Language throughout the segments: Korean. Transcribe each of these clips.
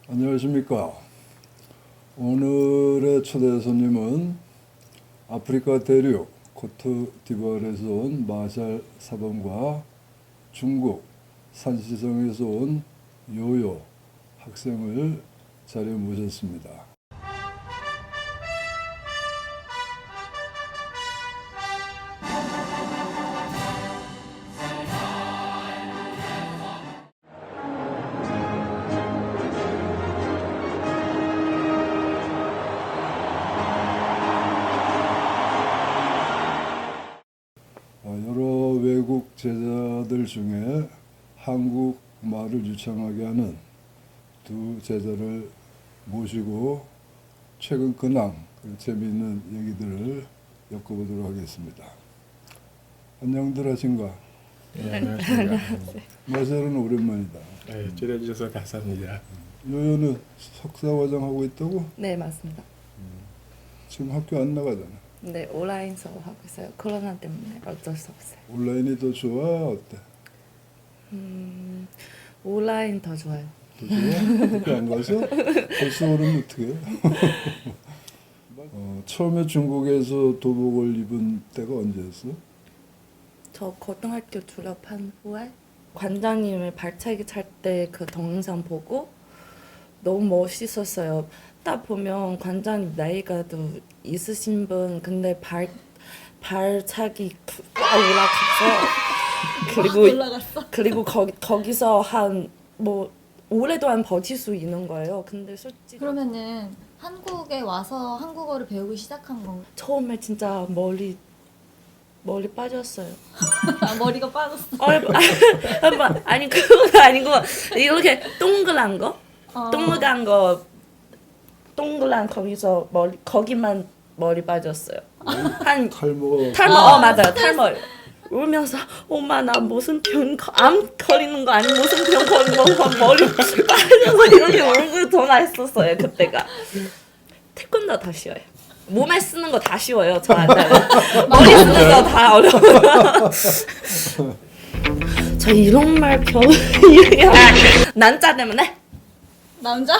안녕하십니까. 오늘의 초대 손님은 아프리카 대륙 코트디부아르에서 온 마샬 사범과 중국 산시성에서 온 요요 학생을 자리에 모셨습니다. 여러 외국 제자들 중에 한국말을 유창하게 하는 두 제자를 모시고 최근 근황, 재미있는 얘기들을 엮어보도록 하겠습니다. 안녕들 하신가? 네, 안녕하십니까. 마샬은 오랜만이다. 네, 초대해주셔서 감사합니다. 요요는 석사과정 하고 있다고? 네, 맞습니다. 지금 학교 안 나가잖아. 네, 온라인 수업 하고 있어요. 코로나 때문에 어쩔 수 없어요. 온라인이 더 좋아? 어때? 온라인 더 좋아요. 더 좋아? 학교 안 가서? 벌써 오르면 어떡해? 처음에 중국에서 도복을 입은 때가 언제였어? 저 고등학교 졸업한 후에 관장님을 발차기 찰 때 그 동영상 보고 너무 멋있었어요. 딱 보면 관장님 나이가 또 있으신 분 근데 발차기 올라갔어. 그리고 거기서 한 뭐 오랫동안 버틸 수 있는 거예요. 근데 솔직히 그러면은 한국에 와서 한국어를 배우기 시작한 건가? 처음에 진짜 머리 빠졌어요. 아, 머리가 빠졌어. 아니 그거 아니고 이렇게 동그란 거, 동그란 거기서 거기만 머리 빠졌어요. 한 탈모가 맞아요, 탈모. 울면서 엄마 나 무슨 암 걸리는 거 아니 무슨 병 걸리는 거 머리 빠져서 이렇게 울고 전화했었어요 그때가. 태권도 다 쉬워요. 몸에 쓰는 거 다 쉬워요 저한테. 머리 쓰는 거 다 어려워요. 저 이런 말 이렇게 난자 때문에? 남자?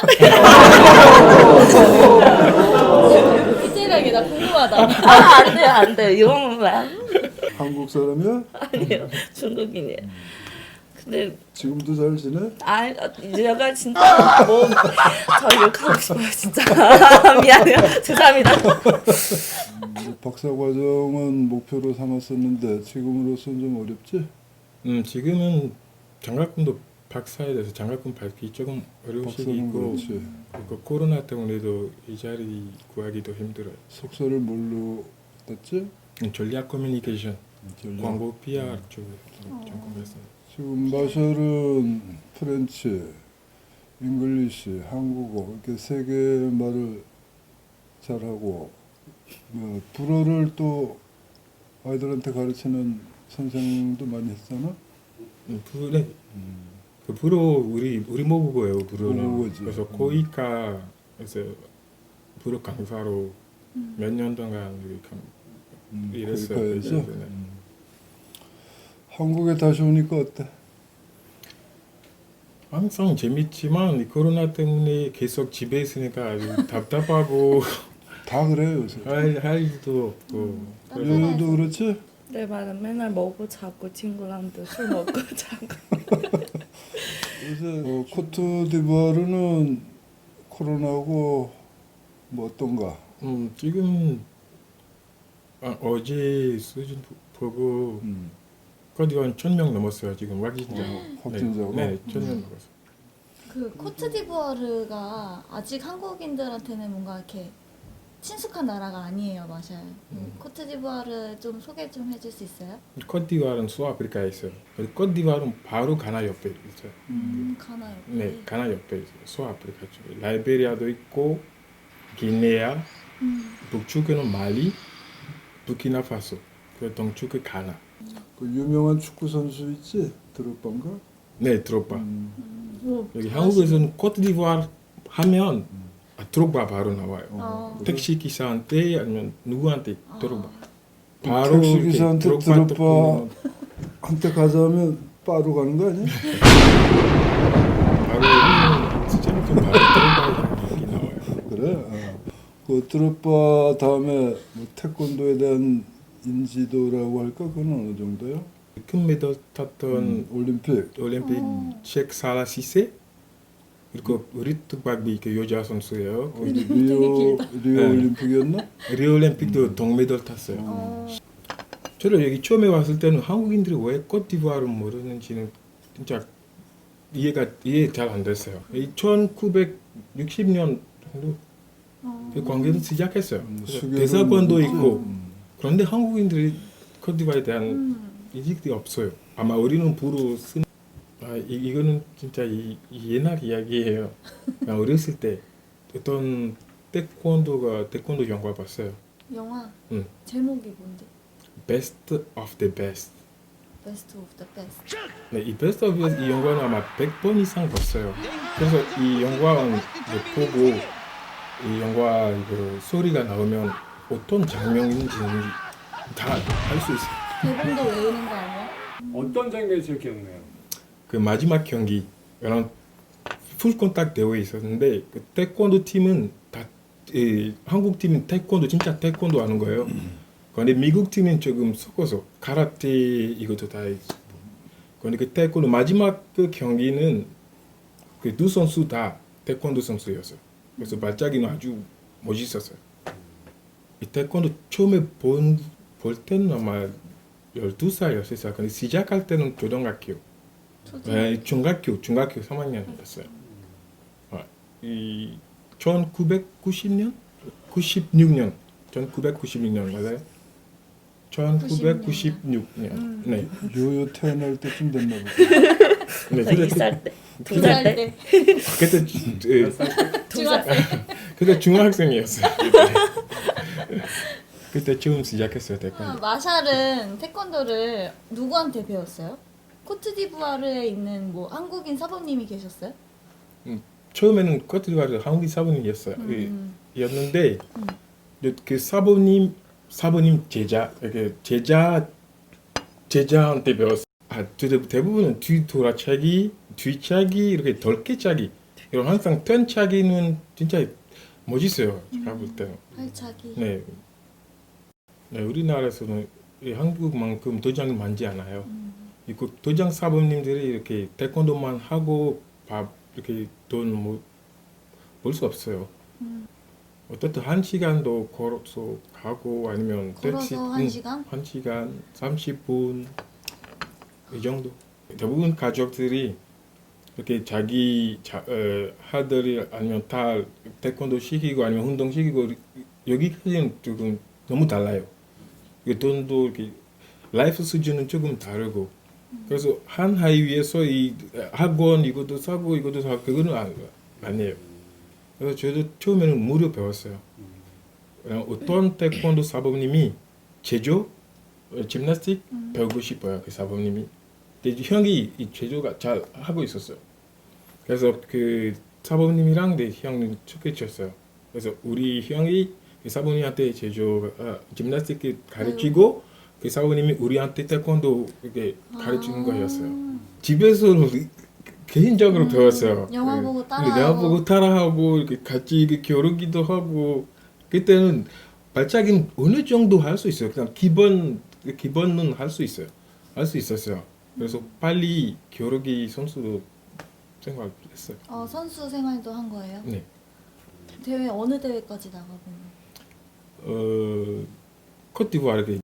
디테일하게 나 궁금하다. 안 돼요 이런 말. 한국 사람이야? 아니에요 중국인이에요. 근데 지금도 잘 지내? 제가 진짜 저 욕하고 싶어요 진짜. 미안해요. 죄송합니다. 박사 과정은 목표로 삼았었는데 지금으로서는 좀 어렵지? 지금은 장학금도 박사에 대해서 장학금 받기 조금 어려운 박사는 시기이고 그렇지. 그리고 코로나 때문에도 이 자리 구하기도 힘들어요. 석사를 뭘로 땄지? 전략 커뮤니케이션, 전략. 광고 PR 쪽에 전공했어요. 지금 마샬은 프렌치, 잉글리시, 한국어 이렇게 세 개 말을 잘하고 불어를 또 아이들한테 가르치는 선생도 많이 했잖아. 불에 그 불어 우리 모국어예요. 불어는. 모국어지. 그래서 코이카에서 불어 강사로 몇 년 동안 일했어요. 코이카에서? 네. 한국에 다시 오니까 어때? 항상 재밌지만 이 코로나 때문에 계속 집에 있으니까 아주 답답하고 다 그래 요새. 할 일도 없고 요요도 그렇지? 네 맞아. 맨날 먹고 자고 친구랑도 술 먹고 자고. 요새 코트디부아르는 코로나고 뭐 어떤가? 지금 어제 수준 보고 코디원 1,000명 넘었어요. 지금 확진자. 확진자가? 네, 1,000명 넘었어요. 그 코트디부아르가 아직 한국인들한테는 뭔가 이렇게 친숙한 나라가 아니에요, 마샬. 코트디부아르 좀 소개 좀 해줄 수 있어요? 코트디부아르는 수아프리카에 있어요. 코트디부아르는 바로 가나 옆에 있어요. 가나 옆에. 네, 가나 옆에 있어요. 수아프리카 쪽에. 라이베리아도 있고 기네아, 북쪽에는 말리, 부키나파소, 그 동쪽에 가나. 그 유명한 축구 선수 있지? 드록바인가? 네, 드록바. 뭐, 여기 한국에서는 코트디부아르 하면 드록바 바로 나와요. 택시 기사한테 아니면 누구한테 드록바. 바로 택시 이렇게 기사한테 드록바 드록바한테 가자면 바로 가는 거 아니야? 바로 진짜 좀 바로 드롭바 다음에 뭐 태권도에 대한 인지도라고 할까? 그건 어느 정도요? 금메달 탔던 올림픽. 올림픽 셰크 살라 시세 그리고 리트박비 그 여자 선수예요. 그 어디 되게 리오 길다. 네. 올림픽이었나? 리오 올림픽도 동메달 탔어요. 저를 여기 처음에 왔을 때는 한국인들이 왜 코트디부아를 모르는지는 진짜 이해 잘 안 됐어요. 1960년 정도 그 관계를 시작했어요. 그래서 수교도 대사관도 있고. 있고 그런데 한국인들이 코트디부아에 대한 인식이 없어요. 아마 우리는 부로 쓴 이거는 진짜 이 옛날 이야기예요. 그냥 어렸을 때 어떤 태권도 영화 봤어요. 영화 응. 제목이 뭔데? Best of the Best. Best of the Best. 네, 이 Best of the Best 이 영화는 아마 100번 이상 봤어요. 그래서 이 영화는 보고 이 영화 그 소리가 나오면 어떤 장면인지는 다 알 수 있어요. 대본도 외우는 거 아니야? 어떤 장면이 제일 기억나요? 그 마지막 경기 이런 풀 컨택 대회 있었는데 그 태권도 팀은 다 한국 팀은 태권도 진짜 태권도 하는 거예요. 그런데 미국 팀은 조금 섞어서 카라테 이것도 다 있고. 그런데 그 태권도 마지막 그 경기는 그 두 선수 다 태권도 선수였어요. 그래서 발차기는 아주 멋있었어요. 이 태권도 처음에 볼 때는 아마 12살, 13살. 근데 시작할 때는 초등학교. 네, 중학교 3학년이었어요. 이 1990년? 1996년 맞아요? 1996년. 네. 요요 태어날 때쯤 됐나 보다. 네. 저 2살 때, 2살 때, 그때 중학생. 그때 중학생이었어요. 그때 처음 시작했어요 태권도. 마샬은 태권도를 누구한테 배웠어요? 코트디부아르에 있는 뭐 한국인 사범님이 계셨어요? 처음에는 코트디부아르 한국인 사부님이었어요. 였는데 그 사부님 제자 이렇게 제자한테 배웠어요. 대부분은 뒤차기 이렇게 덜깨차기 이런 항상 턴차기는 진짜 멋있어요. 제가 볼 때는. 팔차기. 네. 네, 우리나라에서는 한국만큼 도장이 많지 않아요. 그 도장 사범님들이 이렇게 태권도만 하고 이렇게 돈 벌 수 없어요. 어쨌든 1시간도 걸어서 가고 아니면 택시 걸어서 1시간? 1시간 30분 이 정도. 대부분 가족들이 이렇게 자기 아들이 아니면 딸 태권도 시키고 아니면 운동 시키고 여기까지는 조금 너무 달라요. 이 돈도 이렇게 라이프 수준은 조금 다르고 그래서 한 하이위에서 이 학원 이것도 사고 그거는 아니에요. 그래서 저도 처음에는 무료 배웠어요. 어떤 태권도 사범님이 제조, 짐나스틱 배우고 싶어요. 그 사범님이. 근데 형이 이 제조가 잘 하고 있었어요. 그래서 그 사범님이랑 내 형은 척해쳤어요. 그래서 우리 형이 그 사범님한테 짐나스틱 가르치고 그 사범님이 우리한테 태권도 이렇게 가르치는 거였어요. 집에서는 개인적으로 배웠어요. 영화 네. 보고 영화 보고 따라하고 이렇게 같이 이렇게 겨루기도 하고 그때는 발차기는 어느 정도 할 수 있어요. 그냥 기본은 할 수 있어요. 할 수 있었어요. 그래서 빨리 겨루기 선수도 생각했어요. 선수 생활도 한 거예요? 네. 대회 어느 대회까지 나가보면? 코트디부아르